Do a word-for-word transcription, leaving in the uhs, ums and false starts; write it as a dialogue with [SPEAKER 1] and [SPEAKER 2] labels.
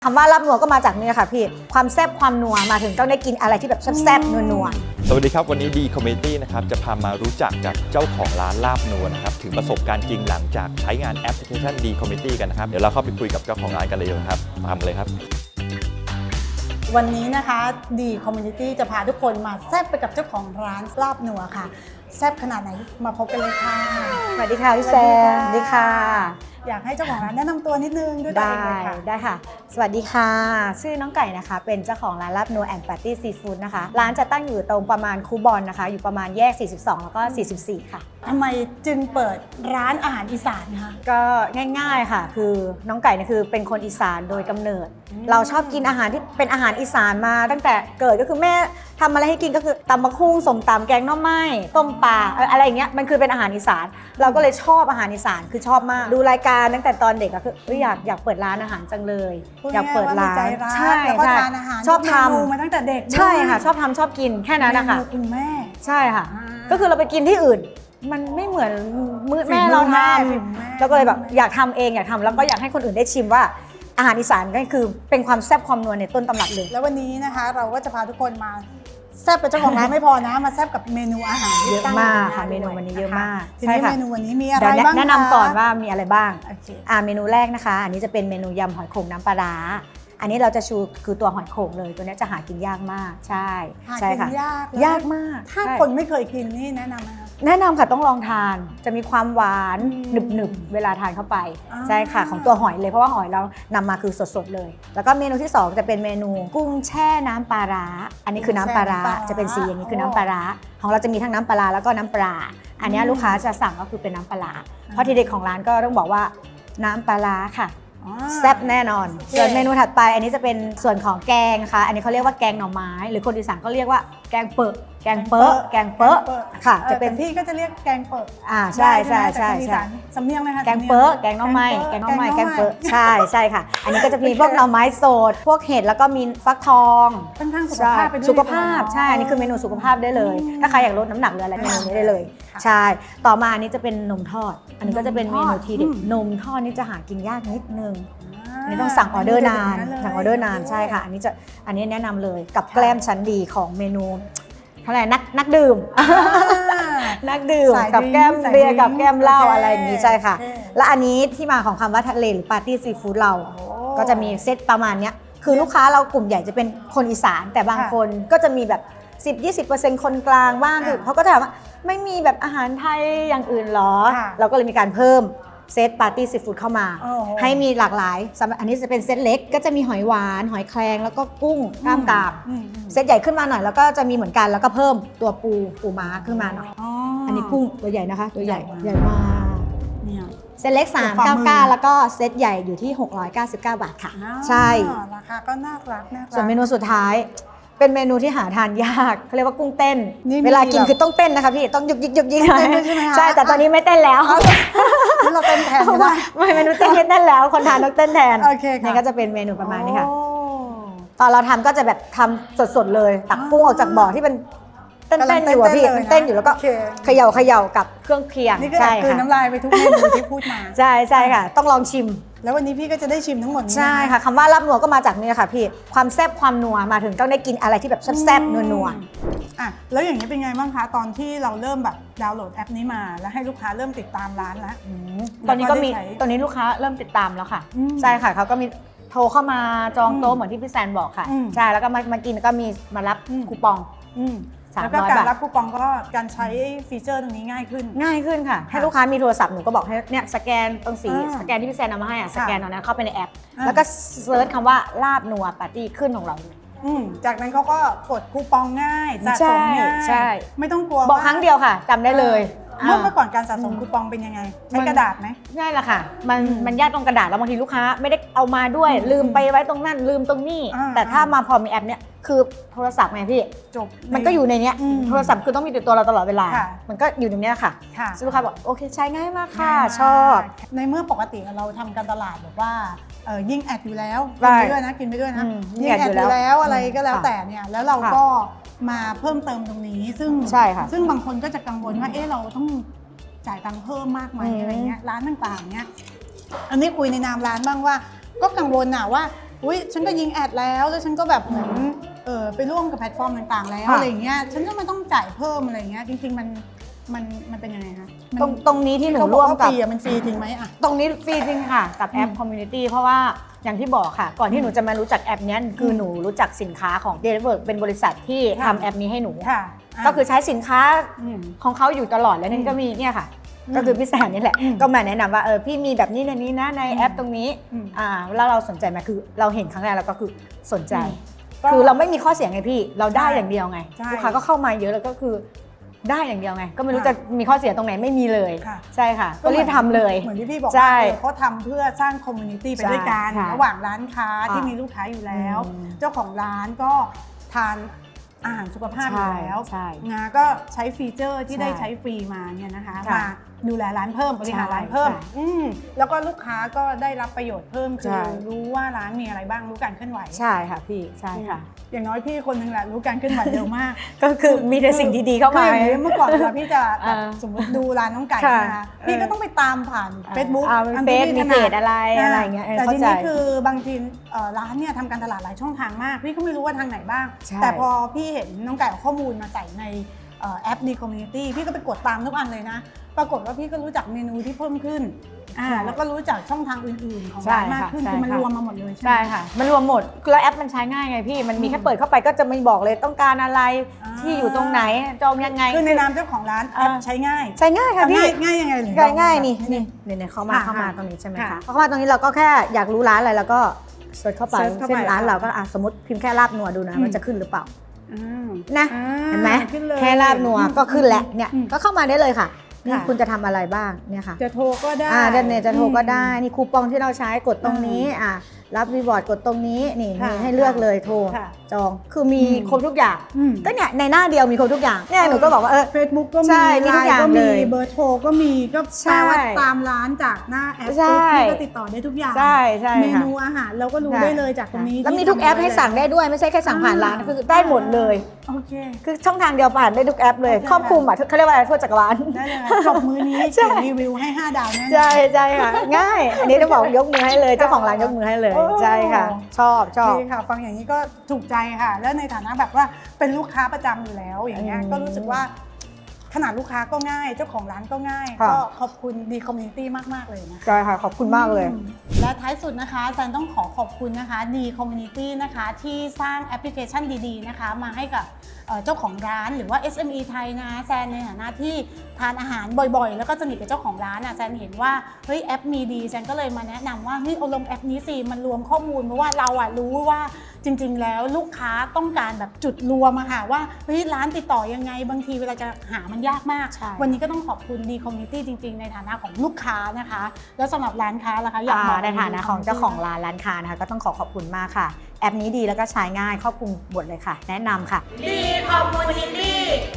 [SPEAKER 1] คำว่าลาบนัวก็มาจากนี่ค่ะพี่ความแซ่บความนัวมาถึงต้องได้กินอะไรที่แบบแซ่บๆนัวๆ
[SPEAKER 2] สวัสดีครับวันนี้ดีคอมเมดี้นะครับจะพามารู้จักกับเจ้าของร้านลาบนัวนะครับถึงประสบการณ์จริงหลังจากใช้งานแอปพลิเคชันดีคอมเมดี้กันนะครับเดี๋ยวเราเข้าไปคุยกับเจ้าของร้านกันเลยนะครับตามเลยครับ
[SPEAKER 3] วันนี้นะคะดีคอมมูนิตี้จะพาทุกคนมาแซ่บไปกับเจ้าของร้านลาบนัวค่ะแซ่บขนาดไหนมาพบกันเลยค่ะ
[SPEAKER 1] สวัสดีค่ะพี่แซมสวัสดีค่ะ
[SPEAKER 3] อยากให้เจ้าของร้านแนะนำตัวนิดนึงด้วยตัว
[SPEAKER 1] ได้
[SPEAKER 3] เองเลยค่ะ
[SPEAKER 1] ได้ค่ะสวัสดีค่ะชื่อน้องไก่นะคะเป็นเจ้าของร้านลาบนัวแอนด์ปาร์ตี้ซีฟู้ดนะคะร้านจะตั้งอยู่ตรงประมาณคูบอลนะคะอยู่ประมาณแยกสี่สิบสองแล้วก็สี่สิบสี่ค่ะ
[SPEAKER 3] ทำไมจึงเปิดร้านอาหารอีสานคะ
[SPEAKER 1] ก็ง่ายๆค่ะคือน้องไก่เนี่ยคือเป็นคนอีสานโดยกำเนิด เราชอบกินอาหารที่เป็นอาหารอีสานมาตั้งแต่เกิดก็คือแม่ทำอะไรให้กินก็คือตำมะคุ้งสมตำแกงหน่อไม้ต้มปลาอะไรอย่างเงี้ยมันคือเป็นอาหารอีสานเราก็เลยชอบอาหารอีสานคือชอบมากดูรายการตั้งแต่ตอนเด็กก็คืออยากอยากเปิดร้านอาหารจังเลยอยากเปิดร้านใช่
[SPEAKER 3] แล้วก็
[SPEAKER 1] ใช่
[SPEAKER 3] ทานอาหาร
[SPEAKER 1] ชอบท
[SPEAKER 3] มาตั้งแต่เด็ก
[SPEAKER 1] ำใช่ค่ะชอบทำชอบกินแค่นั้นนะคะ
[SPEAKER 3] เมนูคุณแม่
[SPEAKER 1] ใช่ค่ะ
[SPEAKER 3] อ่า
[SPEAKER 1] ก็คือเราไปกินที่อื่น มันไม่เหมือนมือ
[SPEAKER 3] ฝีมือ
[SPEAKER 1] แม่เราท
[SPEAKER 3] แม่ฝีมือแม่
[SPEAKER 1] ำแล้วก็เลยแบบอยากทำเองอยากทำแล้วก็อยากให้คนอื่นได้ชิมว่าอาหารอีสานก็คือเป็นความแซ่บความนัวในต้นตำรับเลย
[SPEAKER 3] แล้ววันนี้นะคะเราก็จะพาทุกคนมาแซ่บเป็นเจ้าของร้านไม่พอนะมาแซ่บกับเมนูอาหารที่
[SPEAKER 1] เยอะ
[SPEAKER 3] ตั้ง
[SPEAKER 1] มาก
[SPEAKER 3] อยู่
[SPEAKER 1] ค่ะ
[SPEAKER 3] ให
[SPEAKER 1] เมนู
[SPEAKER 3] ด้วย
[SPEAKER 1] วันนี้เยอะมาก
[SPEAKER 3] ที
[SPEAKER 1] ใช่
[SPEAKER 3] นี้
[SPEAKER 1] ค่ะ
[SPEAKER 3] เมนูวันนี้มีอะไร
[SPEAKER 1] เดี๋ยว
[SPEAKER 3] บ้าง
[SPEAKER 1] แนะนำก่อนว่ามีอะไรบ้าง
[SPEAKER 3] โอเค
[SPEAKER 1] อ่าเมนูแรกนะคะ อันนี้จะเป็นเมนูยำหอยโข่งน้ำปลาร้าอันนี้เราจะชูคือตัวหอยโข่งเลยตัวนี้จะหากินยากมากใช่
[SPEAKER 3] หา
[SPEAKER 1] ใช่
[SPEAKER 3] กิ
[SPEAKER 1] ค่ะ
[SPEAKER 3] นยากเลย
[SPEAKER 1] ยากมาก
[SPEAKER 3] ถ้า
[SPEAKER 1] ใช่
[SPEAKER 3] คนไม่เคยกินนี่แนะนำไหมคะ
[SPEAKER 1] แนะนำค่ะต้องลองทานจะมีความหวาน
[SPEAKER 3] อืม
[SPEAKER 1] หนึบหนึบๆเวลาทานเข้าไป
[SPEAKER 3] อ่า
[SPEAKER 1] ใช่ค่ะของตัวหอยเลยเพราะว่าหอยเรานำมาคือสดๆเลย แล้วก็เมนูที่สองจะเป็นเมนูกุ้งแช่น้ำปลาร้าอันนี้คือน้ำปลาร้าจะเป็นสีอย่างนี้คือน้ำปลาร้าของเราจะมีทั้งน้ำปลาร้าแล้วก็น้ำปลาอันนี้ลูกค้าจะสั่งก็คือเป็นน้ำปลาร้าเพราะทีเด็ดของร้านก็ต้องบอกว่าน้ำปลาร้าค่ะ
[SPEAKER 3] อ๋อ
[SPEAKER 1] แซ่บแน่นอน
[SPEAKER 3] โอเค
[SPEAKER 1] ส่วนเมนูถัดไปอันนี้จะเป็นส่วนของแกงค่ะ อันนี้เขาเรียกว่าแกงหน่อไม้ หรือคนอีสานก็เรียกว่าแกงเปอะแกงเปอะแกงเปอะค่ะ
[SPEAKER 3] ออ
[SPEAKER 1] จะเป็น
[SPEAKER 3] แต่พี่ก็จะเรียกแกงเปิด
[SPEAKER 1] อ่าใช่ใช่
[SPEAKER 3] ได้
[SPEAKER 1] ใช่
[SPEAKER 3] ไหมแต่คนอี
[SPEAKER 1] ใช่
[SPEAKER 3] สานสำเนียงเลยค่ะ
[SPEAKER 1] แกงเปอะแกงหน่อไม้แกงหน่อไม้แกงเปอะใช่ใช่ค่ะ อันนี้ก็จะมีพวกหน่อไม้สดพวกเห็ดแล้วก็มีฟักทอง
[SPEAKER 3] ค่อนข้างสุข
[SPEAKER 1] ใช่
[SPEAKER 3] ภาพไปด้วย
[SPEAKER 1] สุขภาพใช่อันนี้คือเมนูสุขภาพได้เลย ถ้าใครอยากลดน้ำหนักหรืออะไรเมนูนี้ได้เลย ใช่ต่อมาอันนี้จะเป็นนมทอด อันนี้ก็จะเป็นเมนูทีเด็ดนมทอดนี่จะหากินยากนิดนึง อันนี้ต้องสั่งออเดอร์นานสั่งออเดอร์นานใช่ค่ะ อันนี้จะอันนี้แนะนำเลยกับแกล้มชั้นดีของเมนูเท่าไหร่นักนักดื่ม นักดื่ม
[SPEAKER 3] สาย
[SPEAKER 1] กับแก้ม
[SPEAKER 3] สาย
[SPEAKER 1] เบียร์กับแก้มเหล้า
[SPEAKER 3] โค
[SPEAKER 1] อะไรอย่างนี้ใช่ค่ะ
[SPEAKER 3] โอเ
[SPEAKER 1] และอันนี้ที่มาของคำว่าทะเลหรือปาร์ตี้ซีฟู้ดเรา
[SPEAKER 3] โอ้
[SPEAKER 1] ก็จะมีเซตประมาณเนี้ยคือลูกค้าเรากลุ่มใหญ่จะเป็นคนอีสาน แต่บาง
[SPEAKER 3] ค่ะ
[SPEAKER 1] คนก็จะมีแบบ สิบถึงยี่สิบเปอร์เซ็นต์ คนกลางบ้างคือ
[SPEAKER 3] ค่ะ
[SPEAKER 1] เขาก็จะถามว่าไม่มีแบบอาหารไทยอย่างอื่นหรอ
[SPEAKER 3] ค่ะ
[SPEAKER 1] เราก็เลยมีการเพิ่มเซตปาร์ตี้ซีฟู้ดเข้ามา
[SPEAKER 3] โอ้โห
[SPEAKER 1] ให้มีหลากหลายสำหรับอันนี้จะเป็นเซตเล็กก็จะมีหอยหวานหอยแครงแล้วก็กุ้งกล้ามกราม
[SPEAKER 3] อืมอืม
[SPEAKER 1] เซตใหญ่ขึ้นมาหน่อยแล้วก็จะมีเหมือนกันแล้วก็เพิ่มตัวปูปูม้าขึ้นมาหน่อย
[SPEAKER 3] อ๋อ
[SPEAKER 1] อั
[SPEAKER 3] อั
[SPEAKER 1] นนี้กุ้งตัวใหญ่นะคะ ตัวใหญ่
[SPEAKER 3] ให
[SPEAKER 1] ให
[SPEAKER 3] ญ่
[SPEAKER 1] ญ่
[SPEAKER 3] มาก
[SPEAKER 1] มาก
[SPEAKER 3] เนี่ย
[SPEAKER 1] เซตเล็ก
[SPEAKER 3] ฝ่า
[SPEAKER 1] สาม
[SPEAKER 3] มือ
[SPEAKER 1] เก้าเก้าแล้วก็เซตใหญ่อยู่ที่หกร้อยเก้าสิบเก้าบาทค่ะ
[SPEAKER 3] อ๋อ
[SPEAKER 1] ใช่
[SPEAKER 3] ราคาก็น่ารักน่ารัก
[SPEAKER 1] ส่วนเมนูสุดท้าย เป็นเมนูที่หาทานยากเขาเรียกว่ากุ้งเต้น
[SPEAKER 3] นี่มี
[SPEAKER 1] เวลากิน
[SPEAKER 3] แบบ
[SPEAKER 1] คือต้องเต้นนะคะพี่ต้องยุกยิกยุกยิก
[SPEAKER 3] ต้องเต้นด้วยใช่ไหมคะ
[SPEAKER 1] ใช่แต่ตอนนี้ไม่เต้นแล้ว
[SPEAKER 3] นี่เราเต้นแทน
[SPEAKER 1] เพราะ
[SPEAKER 3] ไม่
[SPEAKER 1] ว่า
[SPEAKER 3] ได้
[SPEAKER 1] ไม่เมนูเต้นไม่เต้นแล้วคนทานต้องเต้นแทน
[SPEAKER 3] โอเคค่ะ
[SPEAKER 1] นี่ก็จะเป็นเมนูประมาณนี้ค่ะ
[SPEAKER 3] โอ้
[SPEAKER 1] ตอนเราทำก็จะแบบทำสดๆเลย ตักกุ้งออกจากบ่อที่เป็นเต้น
[SPEAKER 3] กำลัง
[SPEAKER 1] ๆอยู่อะพี่
[SPEAKER 3] เต้นๆเลยนะ
[SPEAKER 1] เต้นอยู่แล้วก็
[SPEAKER 3] โอเค
[SPEAKER 1] เขย่าเขย่ากับเครื่องเคียง
[SPEAKER 3] นี่ก็แอ
[SPEAKER 1] ใช่
[SPEAKER 3] บกลืน
[SPEAKER 1] ค่ะ
[SPEAKER 3] น้ำลายไปทุกเมนูที่พูดมา
[SPEAKER 1] ใช่ใช่ค่ะ ต้องลองชิม
[SPEAKER 3] แล้ววันนี้พี่ก็จะได้ชิมทั้งหมดนี้น
[SPEAKER 1] ใช่ค่ะคำว่าลาบนัวก็มาจากนี่ค่ะพี่ความแซ่บความนัวมาถึงต้องได้กินอะไรที่แบบแซ่บๆนัว
[SPEAKER 3] อ่ะแล้วอย่างนี้เป็นไงบ้างคะตอนที่เราเริ่มแบบดาวน์โหลดแอปนี้มา แล้วให้ลูกค้าเริ่มติดตามร้านแล้ว
[SPEAKER 1] ๆอืมตอนนี้ก็มี
[SPEAKER 3] แล้วก็ได้ใช้
[SPEAKER 1] ตอนนี้ลูกค้าเริ่มติดตามแล้วค่ะ
[SPEAKER 3] อืม
[SPEAKER 1] ใช่ค่ะเขาก็มีโทรเข้ามาจองโต๊ะ
[SPEAKER 3] อืม
[SPEAKER 1] เหมือนที่พี่แซนบอกค่ะ
[SPEAKER 3] อืม
[SPEAKER 1] ใช่แล้วก็มามากินแล้วก็มีมารับ
[SPEAKER 3] อืม
[SPEAKER 1] คูปอง
[SPEAKER 3] อืม
[SPEAKER 1] สาม
[SPEAKER 3] แล้วก็
[SPEAKER 1] ร้อย
[SPEAKER 3] การ
[SPEAKER 1] บาท
[SPEAKER 3] รับคูปองก็การใช้ฟีเจอร์ตรงนี้ง่ายขึ้น
[SPEAKER 1] ง่ายขึ้นค่ะ ให้ลูกค้ามีโทรศัพท์หนูก็บอกให้เนี่ยสแกนตรงสี
[SPEAKER 3] อ่า
[SPEAKER 1] สแกนที่พี่แซนเอามาให้อ่ะส
[SPEAKER 3] ค่ะ
[SPEAKER 1] แกนตรงนั้นเข้าไปในแอป
[SPEAKER 3] อ่า
[SPEAKER 1] แล้วก็เซิร์ชคำว่าลาบนัวปาร์ตี้ขึ้นของเราเลย
[SPEAKER 3] อืมจากนั้นเขาก็กดคูปองง่ายสะสมง่าย
[SPEAKER 1] ใช่
[SPEAKER 3] ไม่ต้องกลัว
[SPEAKER 1] บอก
[SPEAKER 3] ว่า
[SPEAKER 1] ครั้งเดียวค่ะจำได้เลย
[SPEAKER 3] เมื่อ
[SPEAKER 1] อ่า
[SPEAKER 3] เมื่อก่อนการสะสมคูปองเป็นยังไง ใช้
[SPEAKER 1] มัน
[SPEAKER 3] กระดาษไหม
[SPEAKER 1] ง่ายแหละค่ะ มัน
[SPEAKER 3] อืม
[SPEAKER 1] มันยากตรงกระดาษแล้วบางทีลูกค้าไม่ได้เอามาด้วย
[SPEAKER 3] อืม
[SPEAKER 1] ลืมไปไว้ตรงนั้นลืมตรงนี้
[SPEAKER 3] อ่า
[SPEAKER 1] แต่ถ้ามาพอมีแอปเนี้ยคือโทรศัพท์ไงพี่
[SPEAKER 3] จบ
[SPEAKER 1] มันก็อยู่ในเนี้ย
[SPEAKER 3] อืม
[SPEAKER 1] โทรศัพท์คือต้องมีติดตัวเราตลอดเวลา
[SPEAKER 3] ค่ะ
[SPEAKER 1] มันก็อยู่ในเนี้ยค่ะ
[SPEAKER 3] ค่ะ
[SPEAKER 1] ซึ่งลูกค้าบอกโอเคใช้ง่ายมากค่ะ
[SPEAKER 3] ง่ายมาก
[SPEAKER 1] ชอบ
[SPEAKER 3] ในเมื่อปกติเราทำการตลาดแบบว่าเอ่อยิ่งแอดอยู่แล้ว
[SPEAKER 1] ใช่
[SPEAKER 3] กินไปด้วยนะกินไปด้วยนะ
[SPEAKER 1] อืมยิ่
[SPEAKER 3] ยิ่
[SPEAKER 1] ง
[SPEAKER 3] ง
[SPEAKER 1] แอ
[SPEAKER 3] แอ
[SPEAKER 1] ด
[SPEAKER 3] ด
[SPEAKER 1] อ
[SPEAKER 3] อยู่ ยู่
[SPEAKER 1] แล้ว
[SPEAKER 3] แล้วอะไรก็แล้ว
[SPEAKER 1] ค่ะ
[SPEAKER 3] แต่เนี่ยแล้วเรา
[SPEAKER 1] ค่ะ
[SPEAKER 3] ก็มาเพิ่มเติมตรงนี้ ซึ่ง
[SPEAKER 1] ใช่ค่ะ
[SPEAKER 3] ซึ่งบางคนก็จะกังวลว่าเอ๊ะเราต้องจ่ายตังค์เพิ่มมากไหม
[SPEAKER 1] อืม
[SPEAKER 3] อะไรเงี้ยร้านต่างๆเนี่ยอันนี้คุยในนามร้านบ้างว่า ก็กังวลน่ะว่าอุ๊ยฉันก็ยิงแอดแล้วแล้วฉันก็แบบเหมือนเออไปร่วมกับแพลตฟอร์มต่างๆแล้ว
[SPEAKER 1] ค่ะ
[SPEAKER 3] อะไรอย่างเงี้ยฉันก็ไม่ต้องจ่ายเพิ่มอะไรอย่างเงี้ยจริงๆมันมันมันเป็นยังไงคะมัน
[SPEAKER 1] ตรงตรงนี้ที่หนู
[SPEAKER 3] เขาบ
[SPEAKER 1] ร่
[SPEAKER 3] อก
[SPEAKER 1] วม
[SPEAKER 3] ว่า
[SPEAKER 1] กับ
[SPEAKER 3] ฟรีอะมันฟรีจริงไหมอะ
[SPEAKER 1] ตรงนี้ฟรีจริงค่ะกับแอป
[SPEAKER 3] อืม
[SPEAKER 1] Community เพราะว่าอย่างที่บอกค่ะ ก่อนที่หนูจะมารู้จักแอปเนี้ยคือหนูรู้จักสินค้าของ Deliver เป็นบริษัทที่
[SPEAKER 3] ค่ะ
[SPEAKER 1] ทำแอปนี้ให้หนู
[SPEAKER 3] ค่ะะ
[SPEAKER 1] ก็คือใช้สินค้า
[SPEAKER 3] อืม
[SPEAKER 1] ของเขาอยู่ตลอดแล้วนี่ก็มีเนี่ยค่ะ
[SPEAKER 3] อืม
[SPEAKER 1] ก็คือพี่แสนนี่แหละ
[SPEAKER 3] อืม
[SPEAKER 1] ก็มาแนะนำว่าเออพี่มีแบบนี้ในนี้นะในแอปตรงนี้
[SPEAKER 3] อืม
[SPEAKER 1] อ่าแล้วเราสนใจไหมคือเราเห็นครั้งแรกแล้วก็คือสนใจ
[SPEAKER 3] อืมก็
[SPEAKER 1] คือเราไม่มีข้อเสียไงพี่เราได้
[SPEAKER 3] ใช่
[SPEAKER 1] อย่างเดียวไง
[SPEAKER 3] ใช่
[SPEAKER 1] ลูกค้าก็เข้ามาเยอะแล้วก็คือได้อย่างเดียวไง ก็ไม่รู้
[SPEAKER 3] ค่ะ
[SPEAKER 1] จะมีข้อเสียตรงไหนไม่มีเลย
[SPEAKER 3] ค่ะ
[SPEAKER 1] ใช่ค่ะ ก็รีบทำเลย
[SPEAKER 3] เหมือนที่พี่บอก
[SPEAKER 1] ใช่
[SPEAKER 3] ว่าเออเขาทำเพื่อสร้างคอมมูนิตี้ไปด้วยกัน
[SPEAKER 1] ใช่ค่ะ
[SPEAKER 3] ระหว่างร้านค้า
[SPEAKER 1] ค่ะ
[SPEAKER 3] ที่มีลูกค้าอยู่แล้ว
[SPEAKER 1] อืม
[SPEAKER 3] เจ้าของร้านก็ทานอาหารสุขภาพอยู่แล้ว
[SPEAKER 1] ใช่
[SPEAKER 3] งาก็ใช้ฟีเจอร์ที่
[SPEAKER 1] ใช่
[SPEAKER 3] ได้ใช้ฟรีมาเนี่ยนะคะ
[SPEAKER 1] ค่ะ
[SPEAKER 3] มาดูแลร้านเพิ่มบริหาร
[SPEAKER 1] ใช่
[SPEAKER 3] ร้านเพิ่ม
[SPEAKER 1] ใช่
[SPEAKER 3] อืมแล้วก็ลูกค้าก็ได้รับประโยชน์เพิ่มคื
[SPEAKER 1] ใช่
[SPEAKER 3] อรู้ว่าร้านมีอะไรบ้างรู้การเคลื่อนไหว
[SPEAKER 1] ใช่ค่ะพี่ใช่ค่ะ
[SPEAKER 3] อย่างน้อยพี่คนหนึงแหละรู้การเคลื่อนไหวเร็วมาก
[SPEAKER 1] ก็คือมีแต่สิ่งดีๆเข้ามา
[SPEAKER 3] คืออย่างนี้เมื่อก่อนเวลาพี่จะแบบ
[SPEAKER 1] อ่า
[SPEAKER 3] สมมติดูร้านน้องไก่
[SPEAKER 1] ค่ะ
[SPEAKER 3] นะคะพี่ก็ต้องไปตามผ่าน Facebook
[SPEAKER 1] อ่า
[SPEAKER 3] อัน
[SPEAKER 1] เฟ
[SPEAKER 3] ที่
[SPEAKER 1] ซ
[SPEAKER 3] พี่
[SPEAKER 1] มี
[SPEAKER 3] ถ
[SPEAKER 1] เพ
[SPEAKER 3] นั
[SPEAKER 1] จ
[SPEAKER 3] ด
[SPEAKER 1] อะไร
[SPEAKER 3] อ่า
[SPEAKER 1] อะไรอย่างเงี้ยเออ
[SPEAKER 3] แต่
[SPEAKER 1] เข้า
[SPEAKER 3] ที
[SPEAKER 1] ใจ
[SPEAKER 3] นี้คือบางทีเอ่อร้านเนี่ยทำการตลาดหลายช่องทางมาก พี่ก็ไม่รู้ว่าทางไหนบ้าง
[SPEAKER 1] ใช่
[SPEAKER 3] แต่พอพี่เห็นน้องไก่เอาข้อมูลมาใส่ในเอ่อแอป D Community พี่ก็ไปกดตามทุกอันเลยนะ ปรากฏว่าพี่ก็รู้จักเมนูที่เพิ่มขึ้นอ่า
[SPEAKER 1] ใช่
[SPEAKER 3] แล้วก็รู้จักช่องทางอื่นๆ ของ
[SPEAKER 1] ใช่
[SPEAKER 3] ร้านมาก
[SPEAKER 1] ค่ะ
[SPEAKER 3] ขึ้น
[SPEAKER 1] ใช่
[SPEAKER 3] คือมัน
[SPEAKER 1] ค่ะ
[SPEAKER 3] รวมมาหมดเลยใช่ไหม
[SPEAKER 1] ใช่ค่ะ มันรวมหมดแล้วแอปมันใช้ง่ายไงพี่ มันมีแค่เปิดเข้าไปก็จะไม่บอกเลยต้องการอะไร
[SPEAKER 3] อ่า
[SPEAKER 1] ที่อยู่ตรงไหนจองยังไง
[SPEAKER 3] คือในนามเจ้าของร้านแอป
[SPEAKER 1] อ่า
[SPEAKER 3] ใช้ง่าย
[SPEAKER 1] ใช้ง่ายค่ะพี่
[SPEAKER 3] ง่ายง่ายยังไงหรือ
[SPEAKER 1] ง่ายง่าย
[SPEAKER 3] ลอง
[SPEAKER 1] นี่
[SPEAKER 3] แบบ
[SPEAKER 1] นี่นี่นี่เข้ามา
[SPEAKER 3] ค่ะ
[SPEAKER 1] เข้ามา
[SPEAKER 3] ค่ะ
[SPEAKER 1] ตรงนี้ใช่ไหม
[SPEAKER 3] ค่ะ
[SPEAKER 1] คะเข้ามาตรงนี้เราก็แค่อยากรู้ร้านอะไรแล้วก็เสิร์ชเข้าไป
[SPEAKER 3] เสิร์ชเข้าไป
[SPEAKER 1] เช่นร้าน
[SPEAKER 3] ค่ะ
[SPEAKER 1] เราก็อ่ะสมมติพิมพ์แค่ลาบนัวดูนะ
[SPEAKER 3] อืม
[SPEAKER 1] มันจะขึ้นหรือเปล่า
[SPEAKER 3] อ่า
[SPEAKER 1] นะ
[SPEAKER 3] อ่า
[SPEAKER 1] เห็นไหม
[SPEAKER 3] ขึ้นเลย
[SPEAKER 1] แค่ลาบนัวก็ขึ้นแล้วเนี่ย
[SPEAKER 3] อืม
[SPEAKER 1] ก็เข้ามาได้เลยค่ะนี่
[SPEAKER 3] ค่ะ
[SPEAKER 1] คุณจะทำอะไรบ้างเนี่ยค่ะ
[SPEAKER 3] จะโทรก็ได้
[SPEAKER 1] อ่าจะเนี่ยจะโทรก็ได้
[SPEAKER 3] อืม
[SPEAKER 1] นี่คูปองที่เราใช้กดตรงนี้อ่ารับรีวอร์ดกดตรงนี้นี่
[SPEAKER 3] ค่ะ
[SPEAKER 1] มีให้เลือกเลยโทร
[SPEAKER 3] ค่ะ
[SPEAKER 1] จองคือมี
[SPEAKER 3] อืม
[SPEAKER 1] ครบทุกอย่าง
[SPEAKER 3] อืม
[SPEAKER 1] ก็เนี่ยในหน้าเดียวมีครบทุกอย่างเนี่ยหนูก็บอกว่าเออ
[SPEAKER 3] เฟซบุ๊กก็มี
[SPEAKER 1] ใช่มีทุกอย่าง
[SPEAKER 3] ไลน์ก็
[SPEAKER 1] เล
[SPEAKER 3] มี
[SPEAKER 1] ย
[SPEAKER 3] เบอร์โทรก็มีก็
[SPEAKER 1] ใช่
[SPEAKER 3] แปลว่าตามร้านจากหน้าแอป
[SPEAKER 1] ใช่
[SPEAKER 3] ปุ๊บพี่ก็ติดต่อได้ทุกอย่าง
[SPEAKER 1] ใช่ใช่
[SPEAKER 3] เม
[SPEAKER 1] ค่ะ
[SPEAKER 3] นูอาหารเราก็รู้ได้เลยจากตรงนี้
[SPEAKER 1] แล้วมี
[SPEAKER 3] ที่
[SPEAKER 1] ทุกแอปให้สั่งได้ด้วยไม่ใช่แค่สั่งผ่านร้าน
[SPEAKER 3] อ่า
[SPEAKER 1] คือได้หมดเลย
[SPEAKER 3] โอเค
[SPEAKER 1] คือช่องทางเดียวผ่านได้ทุกแอปเลย
[SPEAKER 3] โอเค
[SPEAKER 1] ครอบคลุมอ่ะเขาเรียกว่าอะไรทั่วจักรวาล
[SPEAKER 3] ได้เลยจบมือนี้
[SPEAKER 1] ใช่
[SPEAKER 3] เขียนรีวิวให้ห้าดาวแน่นอน
[SPEAKER 1] ใช่ใช่ค่ะ ง่าย อันนี้จะบอกยกมือให้เลยเจ้าของร้านยกมือให้เลย
[SPEAKER 3] โอ้
[SPEAKER 1] ใช่ค่ะ ชอบชอบ
[SPEAKER 3] ดีค่ะฟังอย่างนี้ก็ถูกใจค่ะ แล้วในฐานะแบบว่าเป็นลูกค้าประจำอยู่แล้วอย่างเงี้ย
[SPEAKER 1] อืม
[SPEAKER 3] ก็รู้สึกว่าขนาดลูกค้าก็ง่าย เจ้าของร้านก็ง่าย
[SPEAKER 1] ค่ะ
[SPEAKER 3] ก็ขอบคุณดีคอมมูนิตี้มากๆเลยนะคะ
[SPEAKER 1] ใช่ค่ะขอบคุณมากเลย
[SPEAKER 3] อืมและท้ายสุดนะคะแซนต้องขอขอบคุณนะคะดีคอมมูนิตี้นะคะที่สร้างแอปพลิเคชันดีๆนะคะมาให้กับเอ่อเจ้าของร้านหรือว่า เอส เอ็ม อี ไทยนะคะแซนในฐานะที่ทานอาหารบ่อยๆ แล้วก็สนิทกับเจ้าของร้านอ่ะแซนเห็นว่าเฮ้ยแอปมีดีแซนก็เลยมาแนะนำว่าเฮ้ยเอาลงแอปนี้สิมันรวมข้อมูลเพราะว่าเราอ่ะรู้ว่าจริงๆแล้วลูกค้าต้องการแบบจุดรวมอะค่ะว่าเฮ้ยร้านติดต่อยังไงบางทีเวลาจะหามันยากมาก
[SPEAKER 1] ใช่
[SPEAKER 3] วันนี้ก็ต้องขอบคุณดีคอมมูนิตี้จริง ๆ ในฐานะของลูกค้านะคะ แล้วสำหรับร้านค้าล่ะคะอยากบอก
[SPEAKER 1] ในฐานะของเจ้าของร้านร้านค้านะคะก็ต้องขอขอบคุณมากค่ะ แอปนี้ดีแล้วก็ใช้ง่ายครอบคลุมหมดเลยค่ะ แนะนำค่ะ
[SPEAKER 4] ดีคอมมูนิตี้